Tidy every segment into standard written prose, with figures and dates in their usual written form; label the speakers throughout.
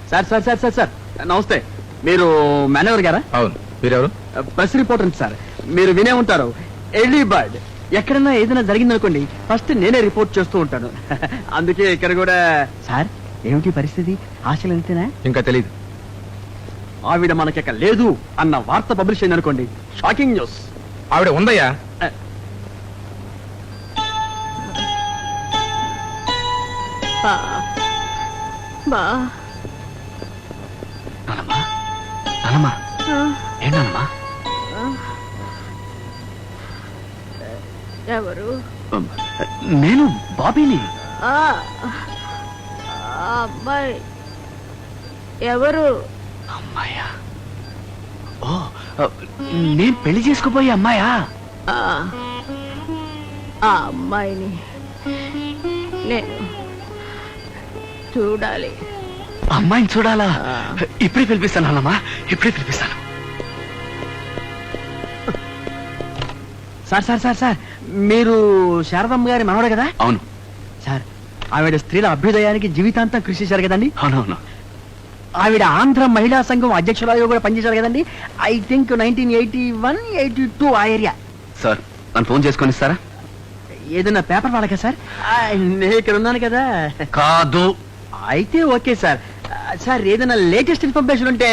Speaker 1: Sir sir sir sir sir నమస్తే. మీరు manager గారా?
Speaker 2: అవును. మీరెవరు?
Speaker 1: Press reporter sir. మీరు వినే ఉంటారు, ఎర్లీ బర్డ్. ఎక్కడన్నా ఏదైనా జరిగిందనుకోండి ఫస్ట్ నేనే రిపోర్ట్ చేస్తూ ఉంటాను. అందుకే ఇక్కడ కూడా. సార్ ఏమిటి పరిస్థితి? ఆశలు ఎంతేనా?
Speaker 2: ఇంకా తెలీదు.
Speaker 1: ఆవిడ మనకిక లేదు అన్న వార్త పబ్లిష్ అయింది అనుకోండి, షాకింగ్ న్యూస్.
Speaker 2: ఆవిడ ఉందయ్యా.
Speaker 1: నానమ్మా నానమ్మా ఏంటమ్మా?
Speaker 3: ఎవరు?
Speaker 1: నేను బాబీని.
Speaker 3: అమ్మాయి ఎవరు?
Speaker 1: అమ్మాయా? ఓ, నేను పెళ్లి చేసుకుపోయే అమ్మాయా?
Speaker 3: ఆ అమ్మాయిని నేను చూడాలి.
Speaker 1: అమ్మాయిని చూడాలా? ఇప్పుడే పిలిపిస్తాను అన్నమ్మా, ఇప్పుడే పిలిపిస్తాను. సార్ సార్ సార్ సార్ మీరు శారదమ్మ గారి మనవడే కదా? అవును సార్. ఆవిడ స్త్రీల అభ్యుదయానికి జీవితాంతం కృషి చేశారు కదండి? అవునవును. ఆవిడ ఆంధ్ర మహిళా సంఘం అధ్యక్షురాలుగా కూడా పనిచేశారు కదండి? ఐ థింక్ 1981-82 ఆ ఏరియా. సార్ నన్ను ఫోన్ చేసుకొని ఇస్తారా? ఏదైనా పేపర్ వాళ్ళకా సార్? నేను ఇక్కడ ఉన్నాను కదా. కాదు. అయితే ఓకే సార్. సార్ ఏదైనా లేటెస్ట్ ఇన్ఫర్మేషన్ ఉంటే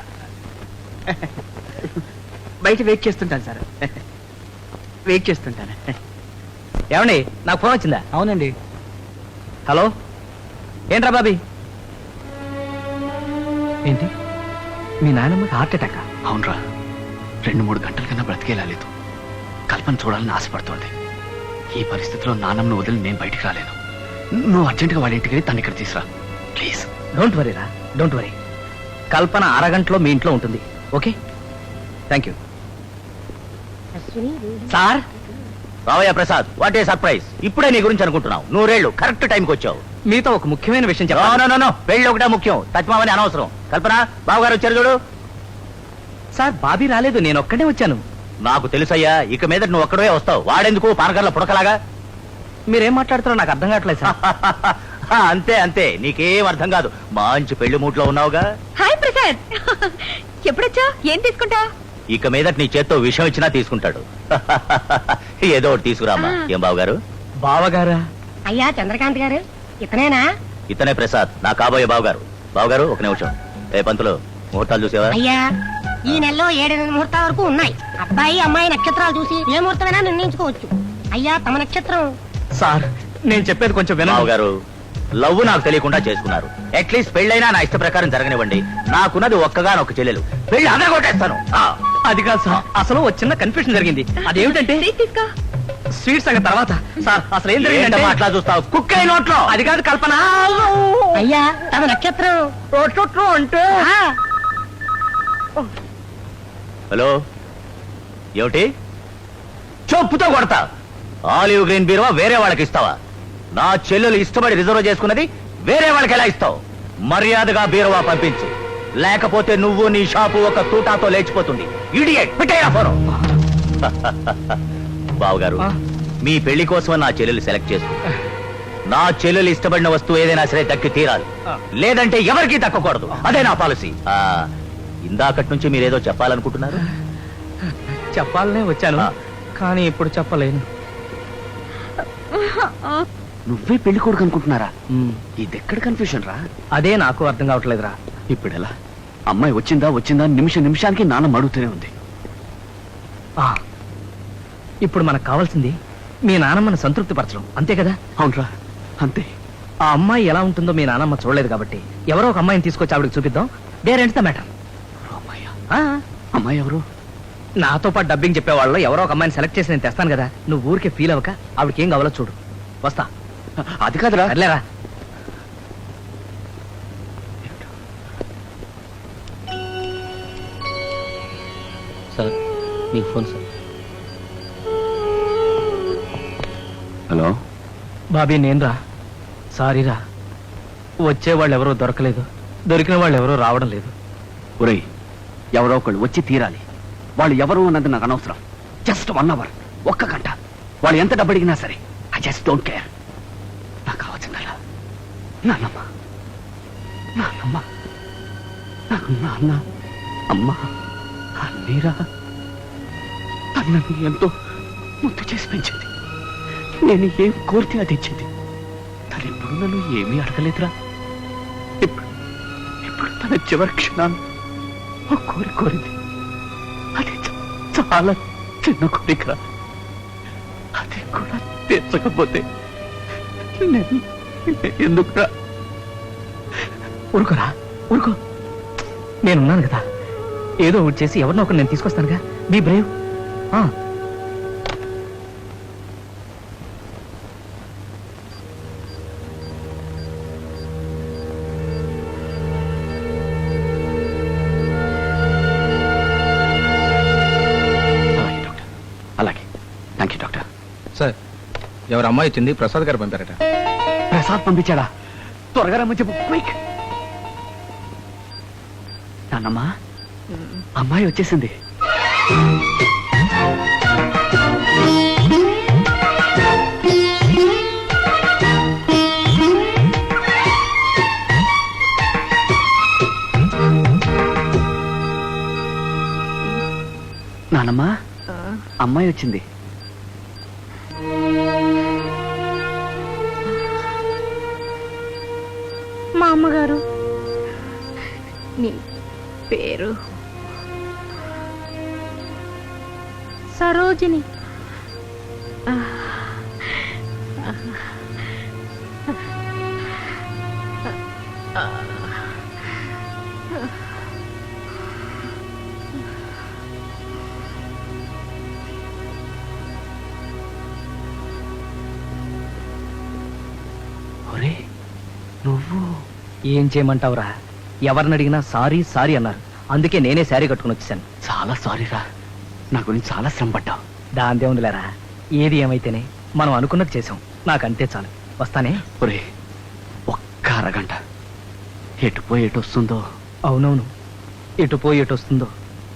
Speaker 1: బయట వెయిట్ చేస్తుంటాను సార్. వెయిట్ చేస్తుంటాను.
Speaker 4: ఏమండి, నాకు ఫోన్ వచ్చిందా?
Speaker 1: అవునండి.
Speaker 4: హలో, ఏంట్రా బాబీ?
Speaker 1: ఏంటి
Speaker 4: మీ నాయనమ్మకి హార్ట్ అటాక్?
Speaker 1: అవునరా, 2-3 గంటల కన్నా బ్రతికేలాలేదు. కల్పన చూడాలని ఆశపడుతోంది. ఈ పరిస్థితిలో నాన్నమ్మను వదిలి నేను బయటికి రాలేను. నువ్వు అర్జెంటుగా వాళ్ళ ఇంటికి వెళ్ళి తను ఇక్కడ తీసురా ప్లీజ్.
Speaker 4: డోంట్ వరీ రా, డోంట్ వరీ. కల్పన అరగంటలో మీ ఇంట్లో ఉంటుంది. Okay, thank you.
Speaker 5: సార్ రావయ్య ప్రసాద్, వాట్ ఏ సర్ప్రైజ్. ఇప్పుడే నీ గురించి అనుకుంటున్నావు. 100 కరెక్ట్ టైంకి వచ్చావు.
Speaker 4: మీతో ఒక ముఖ్యమైన విషయం
Speaker 5: నో
Speaker 4: చెప్పాలి.
Speaker 5: నో నో, పెళ్ళి ఒకటే ముఖ్యం, తత్మామని అనవసరం. కల్పన, బావగారు వచ్చారు చూడు.
Speaker 4: సార్ బాబీ రాలేదు, నేను ఒక్కడే వచ్చాను.
Speaker 5: నాకు తెలుసయ్యా, ఇక మీద నువ్వు ఒక్కడే వస్తావు. వాడెందుకు పానకర్ల పుడకలాగా?
Speaker 4: మీరేం మాట్లాడుతారో నాకు అర్థం కావట్లేదు సార్.
Speaker 5: అంతే అంతే, నీకేం అర్థం కాదు. మంచి పెళ్లి మూట్లో ఉన్నావుగా.
Speaker 3: హాయ్ ప్రసాద్, ఎప్పుడొచ్చా? ఏం తీసుకుంటా?
Speaker 5: ఇక మీద నీ చేత్తో విషయం ఇచ్చినా తీసుకుంటాడు. ఏదో ఒకటి తీసుకురామ్మా. ఏం బావగారు?
Speaker 4: బావగారా?
Speaker 6: అయ్యా చంద్రకాంత్ గారు, ఇతనేనా?
Speaker 5: ఇతనే ప్రసాద్, నా కాబోయే బావగారు. బావగారు ఒక నిమిషం. ఏ పంతులు, ముహూర్తాలు చూసేవా?
Speaker 6: అయ్యా ఈ నెలలో 7 ముహూర్తాల వరకు ఉన్నాయి. అబ్బాయి అమ్మాయి నక్షత్రాలు చూసి ఏ ముహూర్తమైనా నిర్ణయించుకోవచ్చు. అయ్యా తమ నక్షత్రం.
Speaker 4: సార్ నేను చెప్పేది కొంచెం వినండి.
Speaker 5: బావగారు, లవ్ నాకు తెలియకుండా చేసుకున్నారు. అట్లీస్ట్ పెళ్ళైనా నా ఇష్ట ప్రకారం జరగనివ్వండి. నాకున్నది ఒక్కగానొక్క చెల్లెలు. పెళ్లి అదరగొట్టేస్తాను.
Speaker 4: అది కాదు సార్, అసలు ఒక చిన్న కన్ఫ్యూషన్ జరిగింది. అదేమిటంటే స్వీట్స్ సంగతి తర్వాత. సార్ అసలు ఏం జరిగిందంటే,
Speaker 5: అట్లా చూస్తావు? కుక్క నోట్లో.
Speaker 4: అది కాదు కల్పన.
Speaker 6: అయ్యా తమ నక్షత్రం
Speaker 4: అంటే
Speaker 6: ఆ,
Speaker 5: హలో, ఏమిటి? చెప్పుతో కొడతా. ఆలివ్ గ్రీన్ బీరువా వేరే వాళ్ళకి ఇస్తావా? నా చెల్లెలు ఇష్టపడి రిజర్వ్ చేసుకున్నది వేరే వాళ్ళకి ఎలా ఇస్తావు? మర్యాదగా బీరువా పంపించు, లేకపోతే నువ్వు నీ షాపు ఒక తూటాతో లేచిపోతుంది. Idiot, పెట్టేయ్ phone. బావగారు, మీ పెళ్లి కోసం నా చెల్లెలు సెలెక్ట్ చేసుకో. నా చెల్లెలు ఇష్టపడిన వస్తువు ఏదైనా సరే దక్కి తీరాలి, లేదంటే ఎవరికీ దక్కకూడదు. అదే నా పాలసీ. ఇందాకటి నుంచి మీరేదో చెప్పాలనుకుంటున్నారు.
Speaker 4: చెప్పాలనే వచ్చాను, కానీ ఇప్పుడు చెప్పలేను.
Speaker 1: నువ్వే పెళ్లి కొడుకు అనుకుంటున్నారా? ఇదెక్కడ కన్ఫ్యూషన్ రా?
Speaker 4: అదే నాకు అర్థం కావట్లేదురా.
Speaker 1: ఇప్పుడు ఎలా? అమ్మాయి వచ్చిందా వచ్చిందా నిమిషానికి నాన్న అడుగుతూనే ఉంది.
Speaker 4: ఇప్పుడు మనకు కావాల్సింది మీ నానమ్మని సంతృప్తి పరచడం, అంతే కదా?
Speaker 1: అవునరా, అంతే.
Speaker 4: ఆ అమ్మాయి ఎలా ఉంటుందో మీ నానమ్మ చూడలేదు కాబట్టి ఎవరో ఒక అమ్మాయిని తీసుకొచ్చి ఆవిడకి చూపిద్దాం. డేరెంట్స్ ద మ్యాటర్.
Speaker 1: అమ్మాయి ఎవరు?
Speaker 4: నాతో పాటు డబ్బింగ్ చెప్పేవాళ్ళు ఎవరో ఒక అమ్మాయిని సెలెక్ట్ చేసి నేను తెస్తాను కదా. నువ్వు ఊరికే ఫీల్ అవ్వక ఆవిడకి ఏం కావాలో చూడు. వస్తా.
Speaker 1: అది కాదురా.
Speaker 4: అర్లేరా.
Speaker 5: సార్ మీకు ఫోన్ సార్.
Speaker 1: హలో
Speaker 4: బాబీ, నేనురా. సారీరా, వచ్చేవాళ్ళు ఎవరో దొరకలేదు, దొరికిన వాళ్ళు ఎవరో రావడం లేదు.
Speaker 1: ఒరేయ్, ఎవరో ఒకళ్ళు వచ్చి తీరాలి. వాళ్ళు ఎవరు అన్నది నాకు అనవసరం. జస్ట్ 1 hour, 1 గంట. వాళ్ళు ఎంత డబ్బు అడిగినా సరే, ఐ జస్ట్ డోంట్ కేర్. నాకు కావాల్సిందల్లా నాన్నమ్మ. నాన్నమ్మ నాన్న అమ్మ మీరా నన్ను ఎంతో ముద్దు చేసి పెంచింది. నేను ఏం కోరితే అది ఇచ్చింది. తను ఎప్పుడు నన్ను ఏమీ అడగలేదురా. ఇప్పుడు ఇప్పుడు తన చివరి క్షణాన్ని ఒక కోరింది. అది చాలా చిన్న కోరికరా. అది కూడా తీర్చకపోతే నేను ఎందుకురా?
Speaker 4: ఊరుకోరా, ఊరుకో. నేనున్నాను కదా, ఏదో ఒకటి చేసి ఎవరినో ఒకరు నేను తీసుకొస్తానుగా. Be brave.
Speaker 1: అలాగే డాక్టర్, అలాగే. Thank you doctor.
Speaker 2: సార్ ఎవరు అమ్మాయి వచ్చింది? ప్రసాద్ గారు పంపారట.
Speaker 1: ప్రసాద్ పంపించాడా? త్వరగా రమ్మని చెప్పు, క్విక్. నాన్నమ్మా, అమ్మాయి వచ్చేసింది. నాన్నమ్మా, అమ్మాయి వచ్చింది.
Speaker 3: మా అమ్మగారు, నీ పేరు సరోజిని.
Speaker 1: ఒరే, నువ్వు
Speaker 4: ఏం చేయమంటావురా? ఎవరిని అడిగినా సారీ సారీ అన్నారు. అందుకే నేనే శారీ కట్టుకుని వచ్చేసాను.
Speaker 1: చాలా సారీరా. నా గురించి చాలా శ్రమ పడ్డావు.
Speaker 4: దాందే ఉందిలేరా. ఏది ఏమైతేనే మనం అనుకున్నది చేసాం. నాకంతే చాలు. వస్తానే.
Speaker 1: ఒరే, ఒక్క అరగంట. ఎటు పోయి ఎటు వస్తుందో.
Speaker 4: అవునవును, ఎటు పోయి ఎటు వస్తుందో.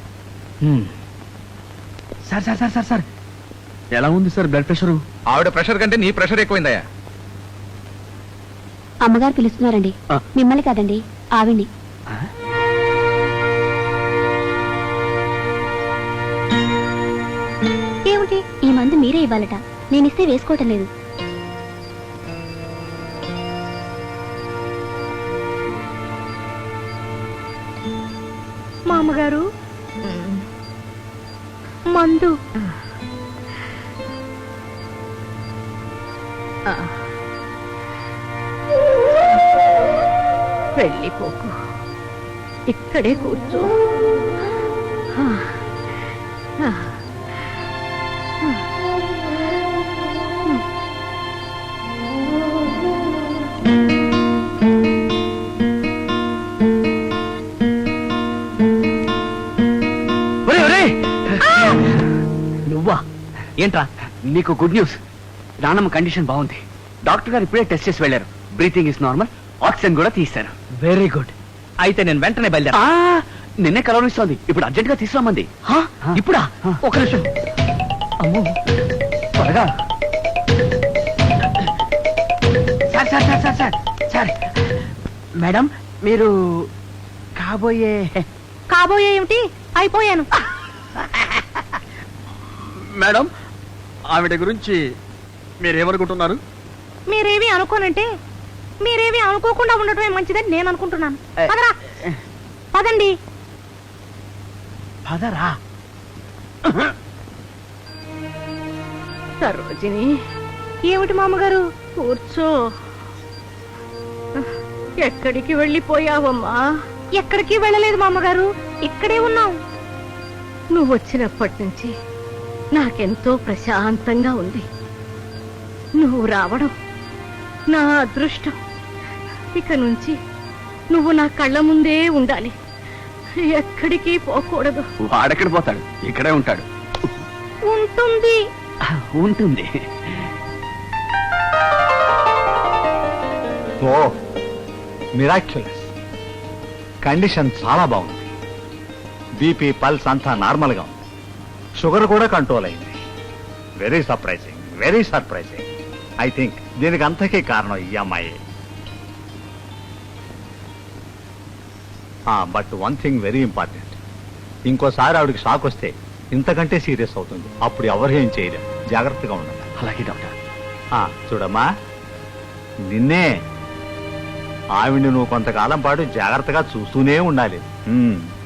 Speaker 1: Sir sir sir sir sir ఎలా ఉంది సార్ బ్లడ్ ప్రెషరు?
Speaker 2: ఆవిడ ప్రెషర్ కంటే నీ ప్రెషర్ ఎక్కువైందయ్యా.
Speaker 7: అమ్మగారు పిలుస్తున్నారండి. మిమ్మల్ని కాదండి, ఆవిడ్ని.
Speaker 3: ఏమిటి?
Speaker 7: ఈ మందు మీరే ఇవ్వాలట. నేనిస్తే వేసుకోవటం లేదు.
Speaker 3: మా అమ్మగారు, మందు. వెళ్ళిపోకు, ఇక్కడే కూర్చో.
Speaker 1: ఒరే ఒరే,
Speaker 4: నువ్వా? ఏంట్రా?
Speaker 1: నీకు గుడ్ న్యూస్. నాన్నమ్మ కండిషన్ బాగుంది. డాక్టర్ గారు ఇప్పుడే టెస్ట్ చేసి వెళ్ళారు. Breathing is normal. ఆక్సిజన్ కూడా తీశారు.
Speaker 4: Very good. అయితే నేను వెంటనే బయలుదేరా.
Speaker 1: నిన్నే కలవరిస్తోంది. ఇప్పుడు అర్జెంట్ గా తీసుకురామంది.
Speaker 4: ఇప్పుడా? ఒక నిమిషం. అమ్మో,
Speaker 1: త్వరగా. Sir sir sir sir sir sir madam, మీరు కాబోయే
Speaker 3: కాబోయే ఏమిటి? అయిపోయాను.
Speaker 1: మేడం, ఆవిడ గురించి మీరేమనుకుంటున్నారు?
Speaker 3: మీరేవి అనుకోనంటే మీరేవి అనుకోకుండా ఉండటమే మంచిదని నేను అనుకుంటున్నాను. పదరా, పదండి.
Speaker 1: పదరా.
Speaker 3: సరోజిని, ఏమిటి మామగారు? కూర్చో. ఎక్కడికి వెళ్ళిపోయావమ్మా? ఎక్కడికి వెళ్ళలేదు మామగారు, ఇక్కడే ఉన్నాం. నువ్వు వచ్చినప్పటి నుంచి నాకెంతో ప్రశాంతంగా ఉంది. నువ్వు రావడం నా అదృష్టం. ఇక నుంచి నువ్వు నా కళ్ళ ముందే ఉండాలి, ఎక్కడికి పోకూడదు.
Speaker 1: వాడెక్కడ పోతాడు? ఇక్కడే ఉంటాడు.
Speaker 3: ఉంటుంది.
Speaker 1: ఉంటుంది.
Speaker 8: ఓ మిరాక్యులస్. కండిషన్ చాలా బాగుంది. బీపీ, పల్స్ అంతా నార్మల్గా ఉంది. షుగర్ కూడా కంట్రోల్ అయింది. Very surprising, very surprising. I think దీనికి అంతకీ కారణం ఈ అమ్మాయి. But one thing very important, ఇంకోసారి ఆవిడకి షాక్ వస్తే ఇంతకంటే సీరియస్ అవుతుంది. అప్పుడు ఎవరు ఏం చేయలేం. జాగ్రత్తగా ఉండాలి.
Speaker 1: అలాగే డాక్టర్.
Speaker 8: చూడమ్మా, నిన్నే ఆవిడ్ని నువ్వు కొంతకాలం పాటు జాగ్రత్తగా చూస్తూనే ఉండాలి.